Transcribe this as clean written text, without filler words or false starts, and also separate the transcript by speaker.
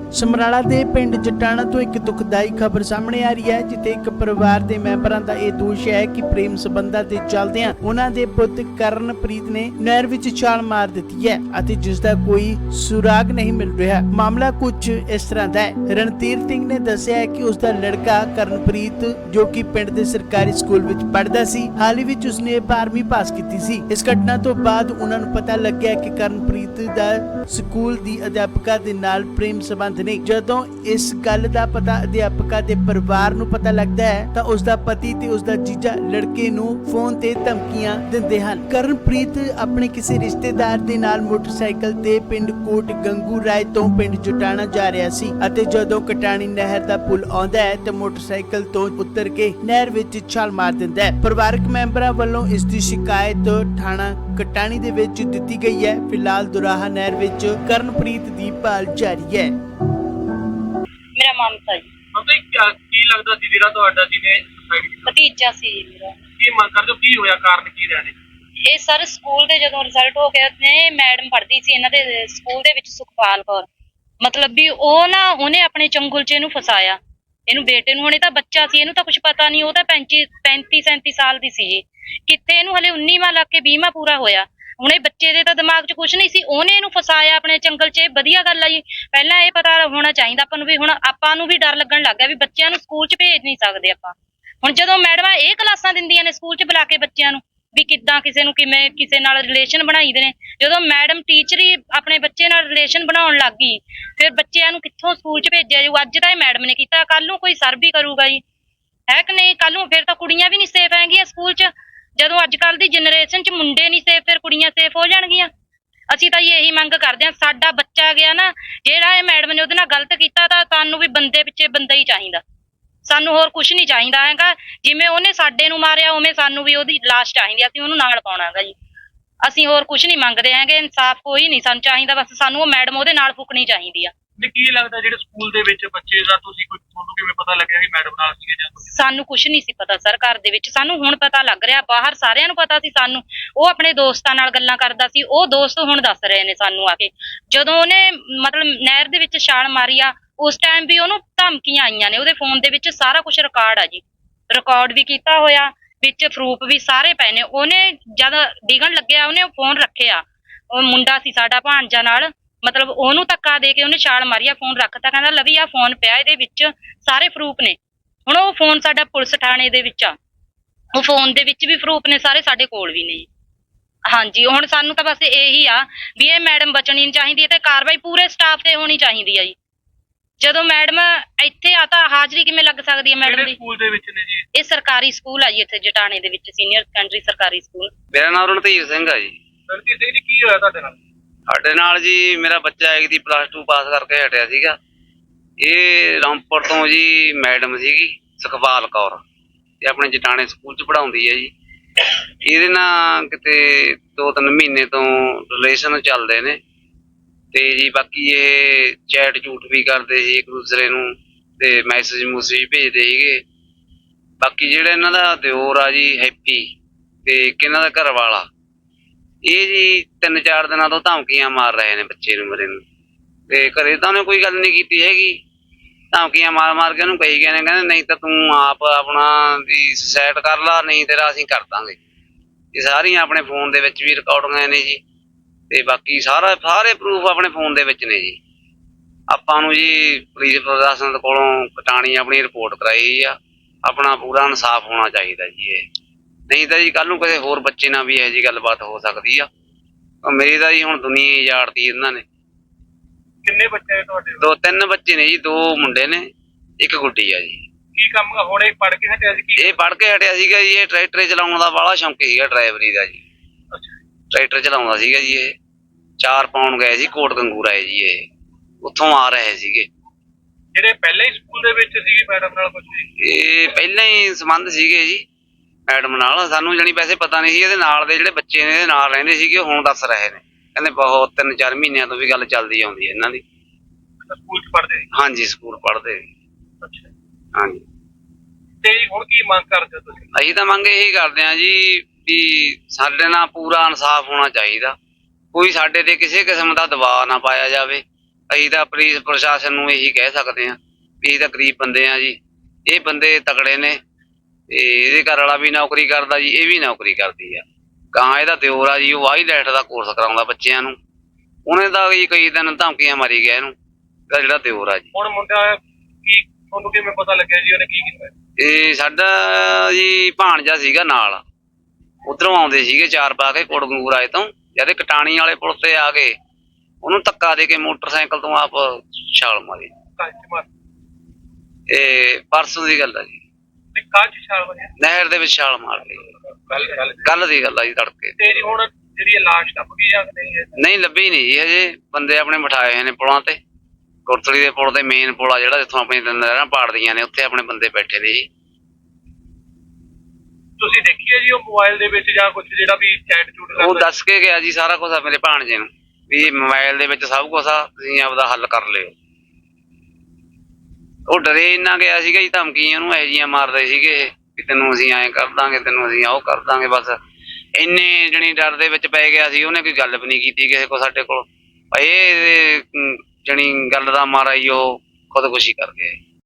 Speaker 1: ਸਮਰਾਲਾ ਦੇ ਪਿੰਡ ਜਟਾਣਾ ਤੋਂ ਇੱਕ ਦੁਖਦਾਈ ਖਬਰ ਸਾਹਮਣੇ ਆ ਰਹੀ ਹੈ, ਜਿੱਥੇ ਇੱਕ ਪਰਿਵਾਰ ਦੇ ਮੈਂਬਰਾਂ ਦਾ ਇਹ ਦੋਸ਼ ਹੈ ਕਿ ਪ੍ਰੇਮ ਸੰਬੰਧਾਂ ਦੇ ਚੱਲਦਿਆਂ ਉਹਨਾਂ ਦੇ ਪੁੱਤ ਕਰਨਪ੍ਰੀਤ ਨੇ ਨਹਿਰ ਵਿੱਚ ਛਾਲ ਮਾਰ ਦਿੱਤੀ ਹੈ ਅਤੇ ਜਿਸ ਦਾ ਕੋਈ ਸੁਰਾਗ ਨਹੀਂ ਮਿਲ ਰਿਹਾ। ਮਾਮਲਾ ਕੁਝ ਇਸ ਤਰ੍ਹਾਂ ਦਾ ਹੈ। ਰਣਧੀਰ ਸਿੰਘ ਨੇ ਦੱਸਿਆ ਹੈ ਕਿ ਉਸ ਦਾ ਲੜਕਾ ਕਰਨਪ੍ਰੀਤ, ਜੋ ਕਿ ਪਿੰਡ ਦੇ ਸਰਕਾਰੀ ਸਕੂਲ ਵਿੱਚ ਪੜ੍ਹਦਾ ਸੀ, ਹਾਲ ਹੀ ਵਿੱਚ ਉਸਨੇ 12ਵੀਂ ਪਾਸ ਕੀਤੀ ਸੀ। ਇਸ ਘਟਨਾ ਤੋਂ ਬਾਅਦ ਉਹਨਾਂ ਨੂੰ ਪਤਾ ਲੱਗਿਆ ਕਿ ਕਰਨਪ੍ਰੀਤ ਦਾ ਸਕੂਲ ਦੀ ਅਧਿਆਪਕਾ ਦੇ ਨਾਲ ਪ੍ਰੇਮ ਸੰਬੰਧ ਨੇ। ਜਦੋਂ ਇਸ ਗੱਲ ਦਾ ਪਤਾ ਅਧਿਆਪਕਾ ਦੇ ਪਰਿਵਾਰ ਨੂੰ ਪਤਾ ਲੱਗਦਾ ਹੈ ਤਾਂ ਉਸ ਦਾ ਪਤੀ ਤੇ ਉਸ ਦਾ ਜੀਜਾ ਲੜਕੇ ਨੂੰ ਫੋਨ ਤੇ ਧਮਕੀਆਂ ਦਿੰਦੇ ਹਨ। ਕਰਨਪ੍ਰੀਤ ਆਪਣੇ ਕਿਸੇ ਰਿਸ਼ਤੇਦਾਰ ਦੇ ਨਾਲ ਮੋਟਰਸਾਈਕਲ ਤੇ ਪਿੰਡ ਕੋਟ ਗੰਗੂ ਰਾਏ ਤੋਂ ਪਿੰਡ ਜਟਾਣਾ ਜਾ ਰਿਹਾ ਸੀ ਅਤੇ ਜਦੋਂ ਕਟਾਣੀ ਨਹਿਰ ਦਾ ਪੁਲ ਆਉਂਦਾ ਹੈ ਤਾਂ ਮੋਟਰਸਾਈਕਲ ਤੋਂ ਉਤਰ ਕੇ ਨਹਿਰ ਵਿੱਚ ਛਾਲ ਮਾਰ ਦਿੰਦਾ ਹੈ। ਪਰਿਵਾਰਕ ਮੈਂਬਰਾਂ ਵੱਲੋਂ ਇਸ ਦੀ ਸ਼ਿਕਾਇਤ ਥਾਣਾ ਕਟਾਣੀ ਦੇ ਵਿੱਚ ਦਿੱਤੀ ਗਈ ਹੈ। ਫਿਲਹਾਲ ਦੁਰਾਹਾ ਨਹਿਰ ਵਿੱਚ ਕਰਨਪ੍ਰੀਤ ਦੀ ਭਾਲ ਜਾਰੀ ਹੈ।
Speaker 2: ਮੇਰਾ ਮਮਤਾ ਜੀ।
Speaker 3: ਮਤਲਬ ਕੀ ਲੱਗਦਾ ਸੀ ਜਿਹੜਾ ਤੁਹਾਡਾ ਜਿਹਨੇ ਸੁਸਾਈਡ ਕੀਤਾ?
Speaker 2: ਭਤੀਜਾ ਸੀ ਮੇਰਾ।
Speaker 3: ਕੀ ਮੰਗ ਕਰਦੇ ਹੋ, ਕੀ ਹੋਇਆ, ਕਾਰਨ ਕੀ ਰਿਹਾ ਨੇ?
Speaker 2: ਇਹ ਸਰ ਸਕੂਲ ਦੇ ਜਦੋਂ ਰਿਜ਼ਲਟ ਹੋ ਗਿਆ ਨੇ, ਮੈਡਮ ਪੜ੍ਹਦੀ ਸੀ ਇਹਨਾਂ ਦੇ ਸਕੂਲ ਦੇ ਵਿੱਚ, ਸੁਖਪਾਲ ਕੌਰ, ਮਤਲਬ ਵੀ ਉਹਨੇ ਆਪਣੇ ਚੰਗੁਲ 'ਚ ਇਹਨੂੰ ਫਸਾਇਆ, ਇਹਨੂੰ ਬੇਟੇ ਨੂੰ। ਹੁਣੇ ਤਾਂ ਬੱਚਾ ਸੀ, ਇਹਨੂੰ ਤਾਂ ਕੁਝ ਪਤਾ ਨਹੀਂ। ਉਹ ਤਾਂ 35-37 ਸਾਲ ਦੀ ਸੀ ਜੀ। ਕਿੱਥੇ ਇਹਨੂੰ ਹਲੇ 19ਵਾਂ ਲੱਗ ਕੇ 20ਵਾਂ ਪੂਰਾ ਹੋਇਆ। ਹੁਣ ਇਹ ਬੱਚੇ ਦੇ ਤਾਂ ਦਿਮਾਗ 'ਚ ਕੁਝ ਨਹੀਂ ਸੀ, ਉਹਨੇ ਇਹਨੂੰ ਫਸਾਇਆ ਆਪਣੇ ਚੰਗਲ 'ਚ। ਵਧੀਆ ਗੱਲ ਆ ਜੀ। ਪਹਿਲਾਂ ਇਹ ਪਤਾ ਹੋਣਾ ਚਾਹੀਦਾ ਆਪਾਂ ਨੂੰ ਵੀ ਹੁਣ ਆਪਾਂ ਨੂੰ ਵੀ ਡਰ ਲੱਗਣ ਲੱਗ ਗਿਆ ਵੀ ਬੱਚਿਆਂ ਨੂੰ ਸਕੂਲ 'ਚ ਭੇਜ ਨਹੀਂ ਸਕਦੇ ਆਪਾਂ। ਹੁਣ ਜਦੋਂ ਮੈਡਮਾਂ ਇਹ ਕਲਾਸਾਂ ਦਿੰਦੀਆਂ ਨੇ ਸਕੂਲ 'ਚ ਬੁਲਾ ਕੇ ਬੱਚਿਆਂ ਨੂੰ ਵੀ ਕਿੱਦਾਂ ਕਿਸੇ ਨੂੰ ਕਿਵੇਂ ਕਿਸੇ ਨਾਲ ਰਿਲੇਸ਼ਨ ਬਣਾਈਦੇ ਨੇ, ਜਦੋਂ ਮੈਡਮ ਟੀਚਰ ਹੀ ਆਪਣੇ ਬੱਚੇ ਨਾਲ ਰਿਲੇਸ਼ਨ ਬਣਾਉਣ ਲੱਗ ਗਈ, ਫਿਰ ਬੱਚਿਆਂ ਨੂੰ ਕਿੱਥੋਂ ਸਕੂਲ 'ਚ ਭੇਜਿਆ ਜਾਊ? ਅੱਜ ਤਾਂ ਇਹ ਮੈਡਮ ਨੇ ਕੀਤਾ, ਕੱਲ ਨੂੰ ਕੋਈ ਸਰ ਵੀ ਕਰੂਗਾ ਜੀ, ਹੈ ਕਿ ਨਹੀਂ? ਕੱਲ ਨੂੰ ਫਿਰ ਤਾਂ ਕੁੜੀਆਂ ਵੀ ਨਹੀਂ ਸੇਫ ਹੈਗੀਆਂ ਸਕੂਲ 'ਚ। ਜਦੋਂ ਅੱਜ ਕੱਲ ਦੀ ਜਨਰੇਸ਼ਨ 'ਚ ਮੁੰਡੇ ਨਹੀਂ ਸੇਫ, ਫਿਰ ਕੁੜੀਆਂ ਸੇਫ ਹੋ ਜਾਣਗੀਆਂ। ਅਸੀਂ ਤਾਂ ਇਹੀ ਮੰਗ ਕਰਦੇ ਹਾਂ, ਸਾਡਾ ਬੱਚਾ ਗਿਆ ਨਾ, ਜਿਹੜਾ ਇਹ ਮੈਡਮ ਨੇ ਉਹਦੇ ਨਾਲ ਗਲਤ ਕੀਤਾ, ਤਾਂ ਸਾਨੂੰ ਵੀ ਬੰਦੇ ਪਿੱਛੇ ਬੰਦਾ ਹੀ ਚਾਹੀਦਾ, ਸਾਨੂੰ ਹੋਰ ਕੁਝ ਨਹੀਂ ਚਾਹੀਦਾ ਹੈਗਾ। ਜਿਵੇਂ ਉਹਨੇ ਸਾਡੇ ਨੂੰ ਮਾਰਿਆ ਉਵੇਂ ਸਾਨੂੰ ਵੀ ਉਹਦੀ ਲਾਸ਼ ਚਾਹੀਦੀ, ਅਸੀਂ ਉਹਨੂੰ ਨਾਲ ਪਾਉਣਾ ਹੈਗਾ ਜੀ। ਅਸੀਂ ਹੋਰ ਕੁਝ ਨਹੀਂ ਮੰਗਦੇ ਹੈਗੇ, ਇਨਸਾਫ ਕੋਈ ਨਹੀਂ ਸਾਨੂੰ ਚਾਹੀਦਾ, ਬਸ ਸਾਨੂੰ ਉਹ ਮੈਡਮ ਉਹਦੇ ਨਾਲ ਫੁਕਣੀ ਚਾਹੀਦੀ ਆ।
Speaker 3: ਕੀ ਲੱਗਦਾ ਜਿਹੜੇ ਸਕੂਲ ਦੇ ਵਿੱਚ ਬੱਚੇ ਦਾ ਤੁਹਾਨੂੰ ਕਿਵੇਂ ਪਤਾ ਲੱਗਿਆ ਵੀ ਮੈਡਮ ਨਾਲ ਸੀਗੇ ਜਾਂ ਕੁਝ?
Speaker 2: ਸਾਨੂੰ ਕੁਝ ਨਹੀਂ ਸੀ ਪਤਾ ਸਰ, ਘਰ ਦੇ ਵਿੱਚ ਸਾਨੂੰ ਹੁਣ ਪਤਾ ਲੱਗ ਰਿਹਾ, ਬਾਹਰ ਸਾਰਿਆਂ ਨੂੰ ਪਤਾ ਸੀ ਸਾਨੂੰ। ਉਹ ਆਪਣੇ ਦੋਸਤਾਂ ਨਾਲ ਗੱਲਾਂ ਕਰਦਾ ਸੀ, ਉਹ ਦੋਸਤ ਹੁਣ ਦੱਸ ਰਹੇ ਨੇ ਸਾਨੂੰ ਆ ਕੇ, ਜਦੋਂ ਉਹਨੇ ਮਤਲਬ ਨਹਿਰ ਦੇ ਵਿੱਚ ਛਾਲ ਮਾਰੀ ਆ, ਉਸ ਟਾਈਮ ਵੀ ਉਹਨੂੰ ਧਮਕੀਆਂ ਆਈਆਂ ਨੇ। ਉਹਦੇ ਫੋਨ ਦੇ ਵਿੱਚ ਸਾਰਾ ਕੁਝ ਰਿਕਾਰਡ ਆ ਜੀ, ਰਿਕਾਰਡ ਵੀ ਕੀਤਾ ਹੋਇਆ, ਵਿੱਚ ਪ੍ਰੂਫ ਵੀ ਸਾਰੇ ਪਏ ਨੇ। ਉਹਨੇ ਜਦ ਡਿੱਗਣ ਲੱਗਿਆ ਉਹਨੇ ਫੋਨ ਰੱਖਿਆ, ਉਹ ਮੁੰਡਾ ਸੀ ਸਾਡਾ ਭਾਂਜਾ ਨਾਲ, ਮਤਲਬ ਉਹਨੂੰ ਧੱਕਾ ਦੇ ਕੇ ਉਹਨੇ ਛਾਲ ਮਾਰੀ ਆ, ਫੋਨ ਰੱਖਤਾ, ਕਹਿੰਦਾ ਲਵੀ ਆ ਫੋਨ ਪਿਆ, ਇਹਦੇ ਵਿੱਚ ਸਾਰੇ ਪ੍ਰੂਫ ਨੇ। ਹੁਣ ਉਹ ਫੋਨ ਸਾਡਾ ਪੁਲਿਸ ਥਾਣੇ ਦੇ ਵਿੱਚ ਆ, ਉਹ ਫੋਨ ਦੇ ਵਿੱਚ ਵੀ ਪ੍ਰੂਫ ਨੇ ਸਾਰੇ, ਸਾਡੇ ਕੋਲ ਵੀ ਨੇ। ਹਾਂਜੀ, ਹੁਣ ਸਾਨੂੰ ਤਾਂ ਬਸ ਇਹੀ ਆ ਵੀ ਇਹ ਮੈਡਮ ਬਚਣੀ ਨਹੀਂ ਚਾਹੀਦੀ ਤੇ ਕਾਰਵਾਈ ਪੂਰੇ ਸਟਾਫ ਤੇ ਹੋਣੀ ਚਾਹੀਦੀ ਆ ਜੀ। ਜਦੋਂ ਮੈਡਮ ਇੱਥੇ ਆ ਤਾਂ ਹਾਜ਼ਰੀ ਕਿਵੇਂ ਲੱਗ ਸਕਦੀ ਹੈ ਮੈਡਮ ਦੀ?
Speaker 3: ਸਕੂਲ ਦੇ ਵਿੱਚ ਨੇ ਜੀ
Speaker 2: ਇਹ ਸਰਕਾਰੀ ਸਕੂਲ ਆ ਜੀ, ਇੱਥੇ ਜਟਾਣੇ ਦੇ ਵਿੱਚ ਸੀਨੀਅਰ ਸੈਕੰਡਰੀ ਸਰਕਾਰੀ ਸਕੂਲ।
Speaker 4: ਮੇਰਾ ਨਾਮ ਰਣਧੀਰ ਸਿੰਘ ਆ ਜੀ।
Speaker 3: ਰਣਜੀਤ ਸਿੰਘ ਜੀ, ਕੀ ਹੋਇਆ ਤੁਹਾਡੇ ਨਾਲ?
Speaker 4: ਸਾਡੇ ਨਾਲ ਜੀ ਮੇਰਾ ਬੱਚਾ ਇੱਕ ਦੀ +2 ਪਾਸ ਕਰਕੇ ਹਟਿਆ ਸੀਗਾ। ਇਹ ਰਾਮਪੁਰ ਤੋਂ ਜੀ ਮੈਡਮ ਸੀਗੀ ਸੁਖਪਾਲ ਕੌਰ, ਇਹ ਆਪਣੇ ਜਟਾਣੇ ਸਕੂਲ 'ਚ ਪੜ੍ਹਾਉਂਦੀ ਹੈ ਜੀ। ਇਹਦੇ ਨਾਲ ਕਿਤੇ 2-3 ਮਹੀਨੇ ਤੋਂ ਰਿਲੇਸ਼ਨ ਚੱਲਦੇ ਨੇ ਤੇ ਜੀ ਬਾਕੀ ਇਹ ਚੈਟ ਝੂਠ ਵੀ ਕਰਦੇ ਸੀ ਇੱਕ ਦੂਸਰੇ ਨੂੰ ਤੇ ਮੈਸੇਜ ਮੂਸੇਜ ਭੇਜਦੇ ਸੀਗੇ। ਬਾਕੀ ਜਿਹੜਾ ਇਹਨਾਂ ਦਾ ਦਿਓਰ ਆ ਜੀ ਹੈਪੀ ਤੇ ਇਹਨਾਂ ਦਾ ਘਰ ਵਾਲਾ, ਇਹ ਜੀ 3-4 ਦਿਨਾਂ ਤੋਂ ਧਮਕੀਆਂ ਮਾਰ ਰਹੇ ਨੇ ਬੱਚੇ ਨੂੰ, ਮੇਰੇ ਨੂੰ। ਤੇ ਘਰੇ ਤਾਂ ਉਹਨੇ ਕੋਈ ਗੱਲ ਨਹੀਂ ਕੀਤੀ ਹੈਗੀ, ਧਮਕੀਆਂ ਮਾਰ ਕੇ ਉਹਨੂੰ ਕਹੀ ਗਏ ਨੇ, ਕਹਿੰਦੇ ਨਹੀਂ ਤਾਂ ਤੂੰ ਆਪ ਆਪਣਾ ਵੀ ਸੁਸਾਈਡ ਕਰ ਲਾ, ਨਹੀਂ ਤੇਰਾ ਅਸੀਂ ਕਰ ਦਾਂਗੇ। ਇਹ ਸਾਰੀਆਂ ਆਪਣੇ ਫੋਨ ਦੇ ਵਿੱਚ ਵੀ ਰਿਕਾਰਡਿੰਗਾਂ ਨੇ ਜੀ, ਤੇ ਬਾਕੀ ਸਾਰੇ ਪ੍ਰੂਫ ਆਪਣੇ ਫੋਨ ਦੇ ਵਿੱਚ ਨੇ ਜੀ। ਆਪਾਂ ਨੂੰ ਜੀ ਪੁਲਿਸ ਪ੍ਰਸ਼ਾਸਨ ਕੋਲੋਂ ਕਟਾਣੀ ਆਪਣੀ ਰਿਪੋਰਟ ਕਰਾਈ ਆ, ਆਪਣਾ ਪੂਰਾ ਇਨਸਾਫ ਹੋਣਾ ਚਾਹੀਦਾ ਜੀ। ਇਹ ਨਹੀਂ ਤਾਂ ਜੀ ਕੱਲ ਨੂੰ ਕਿਸੇ ਹੋਰ ਬੱਚੇ ਨਾਲ ਵੀ ਇਹੋ ਜਿਹੀ ਗੱਲਬਾਤ ਹੋ ਸਕਦੀ ਆ। ਮੇਰੀ ਤਾਂ ਜੀ ਹੁਣ ਦੁਨੀਆ ਹੀ ਉਜਾੜਤੀ ਇਹਨਾਂ ਨੇ।
Speaker 3: ਕਿੰਨੇ ਬੱਚੇ ਨੇ ਤੁਹਾਡੇ?
Speaker 4: 2-3 ਬੱਚੇ ਨੇ ਜੀ, 2 ਮੁੰਡੇ ਨੇ, 1 ਗੁੱਡੀ ਆ ਜੀ।
Speaker 3: ਕੀ ਕੰਮ ਹੁਣ ਇਹ ਪੜ੍ਹ ਕੇ ਹਟਿਆ ਸੀ?
Speaker 4: ਇਹ ਪੜ੍ਹ ਕੇ ਹਟਿਆ ਸੀਗਾ ਜੀ। ਇਹ ਟਰੈਕਟਰ ਚਲਾਉਣ ਦਾ ਬਾਹਲਾ ਸ਼ੌਂਕ ਸੀਗਾ, ਡਰਾਈਵਰੀ ਦਾ ਜੀ। ਟਰੈਕਟਰ ਚਲਾਉਂਦਾ ਸੀਗਾ ਜੀ। ਇਹ 4 ਪਾਉਣ ਗਏ ਸੀ ਕੋਟ ਗੰਗੂ ਰਾਏ ਜੀ, ਇਹ ਉੱਥੋਂ ਆ ਰਹੇ ਸੀਗੇ।
Speaker 3: ਜਿਹੜੇ ਪਹਿਲਾਂ ਹੀ ਸਕੂਲ ਦੇ ਵਿੱਚ ਸੀਗੇ ਮੈਡਮ ਨਾਲ ਕੁਝ?
Speaker 4: ਇਹ ਪਹਿਲਾਂ ਹੀ ਸੰਬੰਧ ਸੀਗੇ ਜੀ ਮੈਡਮ ਨਾਲ, ਸਾਨੂੰ ਜਾਣੀ ਵੈਸੇ ਪਤਾ ਨਹੀਂ ਸੀ। ਇਹਦੇ ਨਾਲ ਦੇ ਜਿਹੜੇ ਬੱਚੇ ਨੇ ਇਹਦੇ ਨਾਲ ਰਹਿੰਦੇ ਸੀਗੇ, ਹੁਣ ਦੱਸ ਰਹੇ ਨੇ, ਕਹਿੰਦੇ ਬਹੁਤ 3-4 ਮਹੀਨਿਆਂ ਤੋਂ ਵੀ ਗੱਲ ਚੱਲਦੀ ਆਉਂਦੀ ਹੈ ਇਹਨਾਂ ਦੀ।
Speaker 3: ਸਕੂਲ 'ਚ ਪੜ੍ਹਦੇ?
Speaker 4: ਹਾਂਜੀ, ਸਕੂਲ ਪੜ੍ਹਦੇ।
Speaker 3: ਅੱਛਾ,
Speaker 4: ਹਾਂਜੀ।
Speaker 3: ਤੇ ਹੁਣ ਕੀ ਮੰਗ ਕਰਦੇ ਹੋ ਤੁਸੀਂ?
Speaker 4: ਅਸੀਂ ਤਾਂ ਮੰਗ ਇਹੀ ਕਰਦੇ ਹਾਂ ਜੀ ਵੀ ਸਾਡੇ ਨਾਲ ਪੂਰਾ ਇਨਸਾਫ ਹੋਣਾ ਚਾਹੀਦਾ, ਕੋਈ ਸਾਡੇ ਤੇ ਕਿਸੇ ਕਿਸਮ ਦਾ ਦਬਾਅ ਨਾ ਪਾਇਆ ਜਾਵੇ। ਅਸੀਂ ਤਾਂ ਪੁਲਿਸ ਪ੍ਰਸ਼ਾਸਨ ਨੂੰ ਇਹੀ ਕਹਿ ਸਕਦੇ ਹਾਂ ਵੀ ਇਹ ਤਾਂ ਗਰੀਬ ਬੰਦੇ ਆ ਜੀ। ਇਹ ਬੰਦੇ ਤਕੜੇ ਨੇ ਤੇ ਇਹਦੇ ਘਰ ਵਾਲਾ ਵੀ ਨੌਕਰੀ ਕਰਦਾ ਜੀ, ਇਹ ਵੀ ਨੌਕਰੀ ਕਰਦੀ ਆ। ਗਾਂ ਇਹਦਾ ਦਿਓਰ ਆ ਜੀ, ਉਹ ਵਾਈਲੈਟ ਦਾ ਕੋਰਸ ਕਰਾਉਂਦਾ ਬੱਚਿਆਂ ਨੂੰ। ਉਹਨੇ ਤਾਂ ਜੀ ਕਈ ਦਿਨ ਧਮਕੀਆਂ ਮਾਰੀ ਗਿਆ ਇਹਨੂੰ, ਇਹਦਾ ਜਿਹੜਾ ਦਿਓਰ ਆ ਜੀ।
Speaker 3: ਹੁਣ ਮੁੰਡਾ ਕੀ ਤੁਹਾਨੂੰ ਕਿਵੇਂ ਪਤਾ ਲੱਗਿਆ ਜੀ ਉਹਨੇ ਕੀ ਕੀਤਾ?
Speaker 4: ਇਹ ਸਾਡਾ ਜੀ ਭਾਣਜਾ ਸੀਗਾ ਨਾਲ, ਉਧਰੋਂ ਆਉਂਦੇ ਸੀਗੇ ਚਾਰ ਪਾ ਕੇ ਕੋਟਕਪੂਰ ਆਏ ਤੋਂ, ਜਦ ਕਟਾਣੀ ਵਾਲੇ ਪੁਲ ਤੇ ਆ ਗਏ ਉਹਨੂੰ ਧੱਕਾ ਦੇ ਕੇ ਮੋਟਰਸਾਈਕਲ ਤੋਂ ਆਪ ਛਾਲ ਮਾਰੀ। ਇਹ ਪਰਸੋਂ ਦੀ ਗੱਲ ਆ ਜੀ, ਨਹਿਰ ਦੇ ਵਿੱਚ ਛਾਲ ਮਾਰ ਗਈ। ਕੱਲ ਦੀ ਗੱਲ ਆ ਜੀ, ਤੜਕੇ।
Speaker 3: ਤੇ ਜੀ ਹੁਣ ਜਿਹੜੀ ਲਾਸ਼ ਲੱਭ ਗਈ ਜਾਂ
Speaker 4: ਨਹੀਂ ਲੱਭੀ ਨਹੀਂ ਜੀ ਹਜੇ, ਬੰਦੇ ਆਪਣੇ ਬਿਠਾਏ ਹੋਏ ਨੇ ਪੁਲਾਂ ਤੇ। ਕੋਟਲੀ ਦੇ ਪੁਲ ਤੇ ਮੇਨ ਪੁਲ ਆ ਜਿਹੜਾ ਜਿੱਥੋਂ ਆਪਣੀ ਨਹਿਰਾਂ ਪਾੜਦੀਆਂ ਨੇ, ਉੱਥੇ ਆਪਣੇ ਬੰਦੇ ਬੈਠੇ ਨੇ ਜੀ।
Speaker 3: ਤੁਸੀਂ ਦੇਖੀ ਹੈ ਜੀ ਉਹ ਮੋਬਾਈਲ ਦੇ ਵਿੱਚ ਜਾਂ ਕੁਝ ਜਿਹੜਾ ਵੀ ਚੈਟ ਚੂਟ
Speaker 4: ਉਹ ਦੱਸ ਕੇ ਗਿਆ ਜੀ ਸਾਰਾ ਕੁਝ ਆ ਮੇਰੇ ਭਾਣਜੇ ਨੂੰ ਵੀ ਮੋਬਾਈਲ ਦੇ ਵਿੱਚ ਸਭ ਕੁਝ ਆ, ਤੁਸੀਂ ਆਪਦਾ ਹੱਲ ਕਰ ਲਿਓ। ਉਹ ਡਰੇ ਇੰਨਾ ਗਿਆ ਸੀਗਾ ਜੀ, ਧਮਕੀਆਂ ਉਹਨੂੰ ਇਹੋ ਜਿਹੀਆਂ ਮਾਰਦੇ ਸੀਗੇ ਵੀ ਤੈਨੂੰ ਅਸੀਂ ਐਂ ਕਰ ਦਾਂਗੇ, ਤੈਨੂੰ ਅਸੀਂ ਉਹ ਕਰ ਦਾਂਗੇ। ਬਸ ਇੰਨੇ ਜਣੀ ਡਰ ਦੇ ਵਿੱਚ ਪੈ ਗਿਆ ਸੀ, ਉਹਨੇ ਕੋਈ ਗੱਲ ਵੀ ਨਹੀਂ ਕੀਤੀ ਕਿਸੇ ਕੋਲ ਸਾਡੇ ਕੋਲ। ਇਹ ਜਣੀ ਗੱਲ ਦਾ ਮਾਰਾ ਹੀ ਉਹ ਖੁਦਕੁਸ਼ੀ ਕਰ ਗਿਆ।